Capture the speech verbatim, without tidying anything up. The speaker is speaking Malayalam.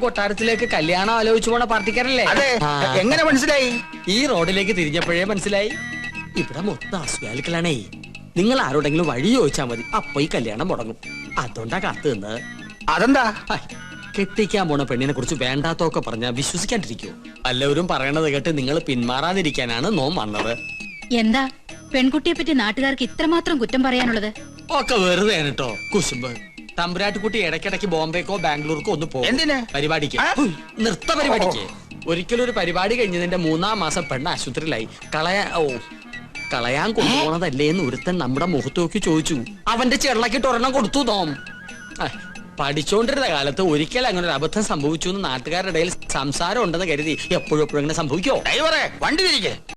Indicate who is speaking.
Speaker 1: കൊട്ടാരത്തിലേക്ക് കല്യാണം ആലോചിച്ചു പോണ പാർട്ടിക്കാരല്ലേ?
Speaker 2: അതെ. എങ്ങനെ മനസ്സിലായി?
Speaker 1: ഈ റോഡിലേക്ക് തിരിഞ്ഞപ്പോഴേ മനസ്സിലായി. ഇവിടെ മൊത്തം അസ്വാലിക്കളാണേ. നിങ്ങൾ ആരോടെങ്കിലും വഴി ചോദിച്ചാൽ മതി, അപ്പൊ ഈ കല്യാണം മുടങ്ങും. അതുകൊണ്ടാ കാത്തു നിന്ന്.
Speaker 2: അതെന്താ?
Speaker 1: കെട്ടിക്കാൻ പോണ പെണ്ണിനെ കുറിച്ച് വേണ്ടാത്തൊക്കെ പറഞ്ഞാൽ വിശ്വസിക്കാണ്ടിരിക്കോ? എല്ലാവരും പറയണത് കേട്ട് നിങ്ങൾ പിന്മാറാതിരിക്കാനാണ് നോം വന്നത്.
Speaker 3: എന്താ പെൺകുട്ടിയെ പറ്റി നാട്ടുകാർക്ക് ഇത്രമാത്രം കുറ്റം പറയാനുള്ളത്?
Speaker 1: ഒക്കെ വെറുതെ കേട്ടോ കുശുമ്പ്. തമ്പുരാട്ടിക്കുട്ടി ഇടയ്ക്കിടയ്ക്ക് ബോംബെക്കോ ബാംഗ്ലൂർക്കോ ഒന്ന് പോകും.
Speaker 2: എന്തിന്?
Speaker 1: പരിപാടിക്ക്, നൃത്ത പരിപാടിക്ക്. ഒരിക്കലും ഒരു പരിപാടി കഴിഞ്ഞതിന്റെ മൂന്നാം മാസം പെണ്ണ് ആശുപത്രിയിലായി. കളയാ ഓ കളയാൻ കൊണ്ടുപോണതല്ലേ എന്ന് ഒരുത്തൻ നമ്മുടെ മുഖത്ത് നോക്കി ചോദിച്ചു. അവന്റെ ചെള്ളക്കിട്ട് ഒരെണ്ണം കൊടുത്തു തോം. പഠിച്ചോണ്ടിരുന്ന കാലത്ത് ഒരിക്കൽ അങ്ങനെ ഒരു അബദ്ധം സംഭവിച്ചു എന്ന് നാട്ടുകാരുടെ ഇടയിൽ സംസാരം ഉണ്ടെന്ന് കരുതി എപ്പോഴും എപ്പോഴും അങ്ങനെ സംഭവിക്കോ?
Speaker 2: ഡ്രൈവറെ, വണ്ടി തിരികെ.